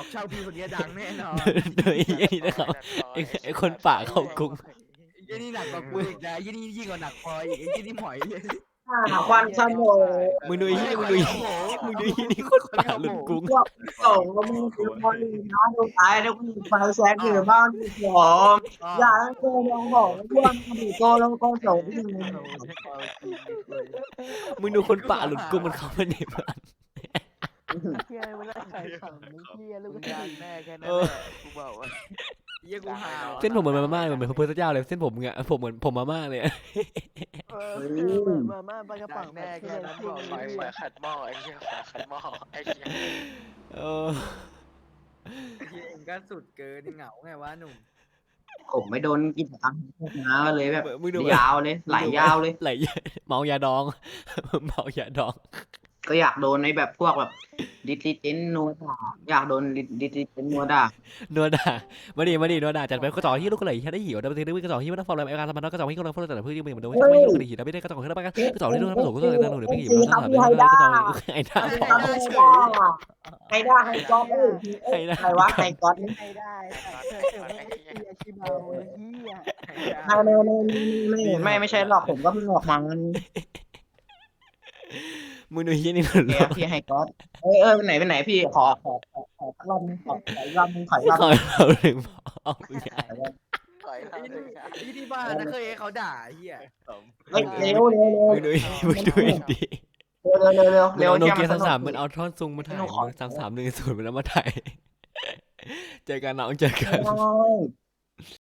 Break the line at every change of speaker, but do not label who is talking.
ชาวพีคนนี้ดังแน่นอน
โดยไอ้นี่นะครับไอ้คนป่าเข้ากรุง
ไอ้นี่หนักกว่ากูอีกนะไอ้นี่ยิ่งกว่าหนักพออีกไอ้นี่หมอยเลย
ควันขโมย
มึงดูไอ้นี่มึงดูไอ้นี่คนป่าหลุดกรุง
พวกส่งก็มึงคือคนน้าดูตายแล้วมึงไฟแซกอยู่บ้านที่หอมอย่าโกงลงของพวกมึงโกงลงก็ส่งที่มึง
มึงดูคนป่าหลุดกรุงมันเข้ามาในบ้าน
เฮียมันน่าขายถังมึงเฮียลูก
มึง
กระ
ดัง
ดิ่ง
แน่แค่นั้นแหละกูบอกว่าเยี่ยกูหาว
เส้นผมเหมือนมาม่าเหมือนพระพุทธเจ้าเลยเส้นผมเงี้ยผมเหมือนผมมาม่าเลย
มาม่าปลากระป๋อง
แน่แค่นั้นบอก
ไฟ
เลย
ขัดหม้อไอ้เหี้ยไฟขัดหม้อไอ้เหี้ย
เออ
เฮียเองก็สุดเกินเหงาไงวะหนุ่ม
ผมไม่โดนกิจกรรมนะเลยแบบ
มึงดู
ยาวเลยไหลยาวเลย
ไหลเมายาดอง เมายาดอง
ก็อยากโดนในแบบพวกแบบดิจิเจนนัวด่าอยากโดนดิจิเจนนัวด่า
นัวด่ามาดินัวด่าจัดไปกระจอกที่ลูกกระไหล่แค่ได้หิวแต่ประเด็นนี้กระจอกที่ไม่ต้องฟอร์มอะไรอาการสมานกระจอกที่กำลังฟอร์มแต่เพื่อนที่มันโดนไม่ลูกกระดิ่งแต่ไม่ได้กระจอกที่ได้ประกันกระจอกที่โดนผสมก็เลยนั่งหนูเดี๋ยวไม่หิวแล้วถามกระจอกไอ้หน้า
ใครได้ใครก๊อตใครวะใครก๊อต
ใครได้เฮียชิบาเฮีย
ไม่ใช่หรอกผมก็เพิ่งออกมา
มึงดูที่นี่หลุด
พี่ให้ก๊อตไหนพี่ขอรอบนึงขอรอบนึงขอรอบ
ขอ
นึง
เราถึงบอก
ถอยหลังเลยนะ
ไอ้ที่บ้านนะเคยให้เขาด่าเฮีย
เร็ว
มึงดูดี
เร็ว
โนเกีย33มันเอาท่อนซุงมาถ่าย3310มันแล้วมาถ่ายเจอกันน้องเจอกัน